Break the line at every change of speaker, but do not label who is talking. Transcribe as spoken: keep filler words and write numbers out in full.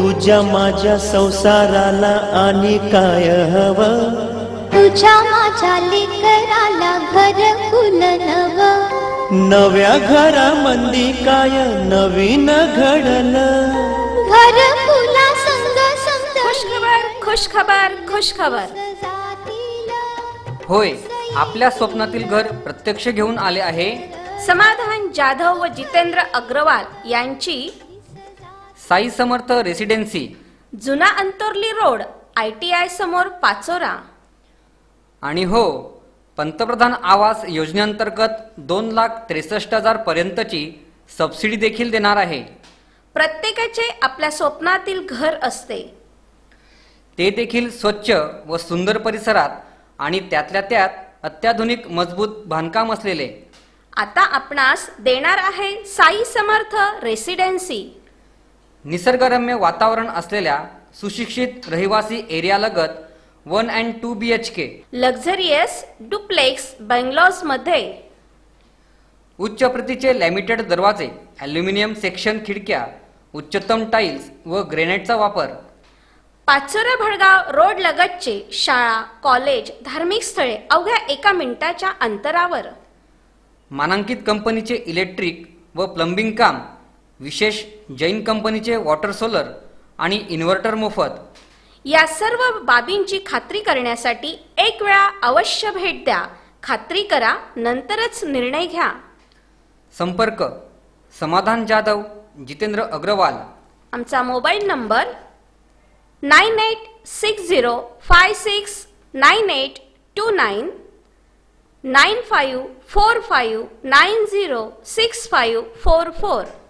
तुझ्या माझ्या संसाराला आणि काय हवं,
तुझ्या माझ्या लेकराला घरकुल नवं,
नव्या घरामंदी काय नवीन घडलं,
घरकुला संग संग
खुशखबर खुशखबर खुशखबर.
होय, आपल्या स्वप्नातील घर प्रत्यक्ष घेऊन आले आहे
समाधान जाधव व जितेंद्र अग्रवाल यांची
साई समर्थ रेसिडेन्सी,
जुना Antorli road, I T I समोर, पाचोरा.
आणि हो, पंतप्रधान आवास योजनेअंतर्गत दोन लाख त्रेसष्ट हजार पर्यंतची सबसिडी देखील देणार आहे.
प्रत्येकाचे आपल्या स्वप्नातील घर असते,
ते देखील स्वच्छ व सुंदर परिसरात आणि त्यातल्या त्यात अत्याधुनिक मजबूत बांधकाम असलेले.
आता आपणास देणार आहे साई समर्थ रेसिडेन्सी.
निसर्गरम्य वातावरण असलेल्या सुशिक्षित रहिवासी एरियालगत one and two B H K
luxurious duplex bungalows मध्ये
उच्च प्रतीचे लॅमिटेड दरवाजे, ॲल्युमिनियम सेक्शन खिडक्या, उच्चतम टाइल्स व ग्रेनाइटचा वापर.
पाचोरा भडगाव रोड लगतचे शाळा, कॉलेज, धार्मिक स्थळे अवघ्या एका मिनिटाच्या अंतरावर.
मानांकित कंपनीचे इलेक्ट्रिक व प्लंबिंग काम, विशेष जैन कंपनीचे वॉटर सोलर आणि इन्व्हर्टर मोफत.
या सर्व बाबींची खात्री करण्यासाठी एक वेळा अवश्य भेट द्या. खात्री करा, नंतरच निर्णय घ्या.
संपर्क समाधान जाधव, जितेंद्र अग्रवाल.
आमचा mobile number nine eight six zero five six nine eight two nine, nine five four five nine zero six five four four.